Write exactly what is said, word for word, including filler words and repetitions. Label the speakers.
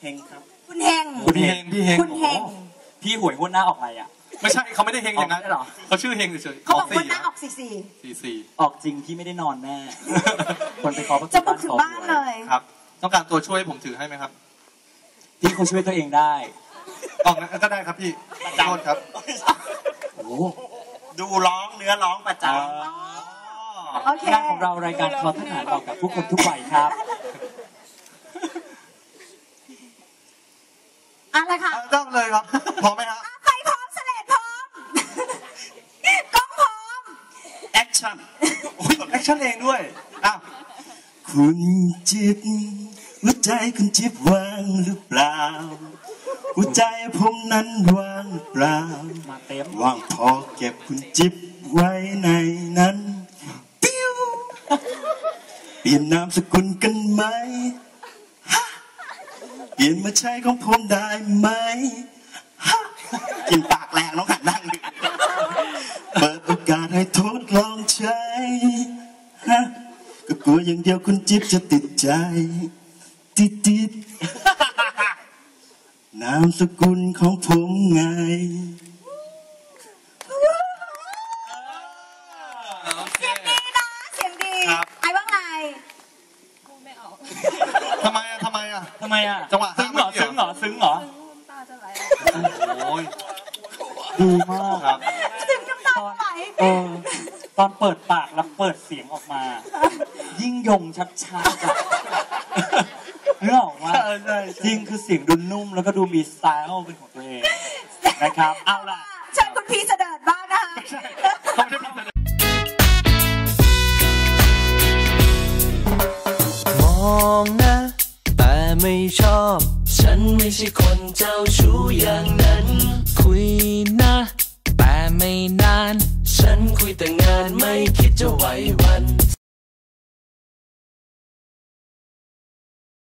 Speaker 1: ฮงครับ
Speaker 2: คุณเฮง
Speaker 3: คุณเฮงพี่เฮง
Speaker 2: คุณเฮง
Speaker 4: พี่หวยงวดหน้าออกอะไรอ่ะ
Speaker 3: ไม่ใช่เขาไม่ได้เฮงอย่างนั้นหรอเขาชื่อเฮงเฉย
Speaker 2: ๆเขาบอกคนหน้าออกสี่สี่
Speaker 3: สี่สี่
Speaker 4: ออกจริงพี่ไม่ได้นอนแน่คนไปขอ
Speaker 2: จะบุกถึงบ้านเลย
Speaker 3: ครับต้องการตัวช่วยผมถือให้ไหมครับ
Speaker 4: พี่เขาช่วยตัวเองได้
Speaker 3: ออกก็ได้ครับพี่โทษครับ
Speaker 4: โอ้
Speaker 1: ดูร้องเนื้อร้องประจำ
Speaker 4: งานของเรารายการคอทหารบอกกับผู้คนทุกวัยครับ
Speaker 2: อะไรคะ
Speaker 3: ต้องเลยครับพร้อมไหมครับ
Speaker 2: ไฟพร้อมเสลดพร้อมกล้องพร้อม
Speaker 1: แอคชั่น
Speaker 3: โอ้ยแอคชั่นเองด้วยอ้าว
Speaker 5: คุณจิ๊บหัวใจคุณจิ๊บว่างหรือเปล่าหัวใจผมนั้นว่างเปล่า
Speaker 4: มาเต็ม
Speaker 5: ว่างพอเก็บคุณจิ๊บไว้ในนั้นปิ้วเปลี่ยนนามสกุลกันไหมเปลี่ยนมาใช้ของผมได้ไหม
Speaker 1: กินปากแรงน้องหันนั่งดิ
Speaker 5: เปิดโอกาสให้ทดลองใช้ก็กลัวอย่างเดียวคุณจิ๊บจะติดใจติดติดนามสกุลของผมไง
Speaker 2: เสียงดีนะเสียงดีไอ้ว่าไง
Speaker 3: พูดไม่ออกทำไมอ่ะทำไมอ่ะ
Speaker 4: ทำไมอ่ะ
Speaker 3: จังหวะ
Speaker 4: ซึ้งเหรอซึ้งเหรอซึ้งเหรอ
Speaker 2: ตาจะไหล
Speaker 3: โอ้ย
Speaker 4: ดีมาก
Speaker 3: ครับ
Speaker 2: ถึงน้ำตาไหล
Speaker 4: เออตอนเปิดปากแล้วเปิดเสียงออกมายิ่งยงชัดชัดเรื่องว่าจริงคือเสียงดูนุ่มแล้วก็ดูมีสไตล์เป็นของตัวเองนะครับเอาล่ะ
Speaker 2: เชิญคุณพี่เสด็จบ้างนะคะ
Speaker 6: มองนะแต่ไม่ชอบฉันไม่ใช่คนเจ้าชู้อย่างนั้นคุยนะแต่ไม่นานฉันคุยแต่งานไม่คิดจะไหววัน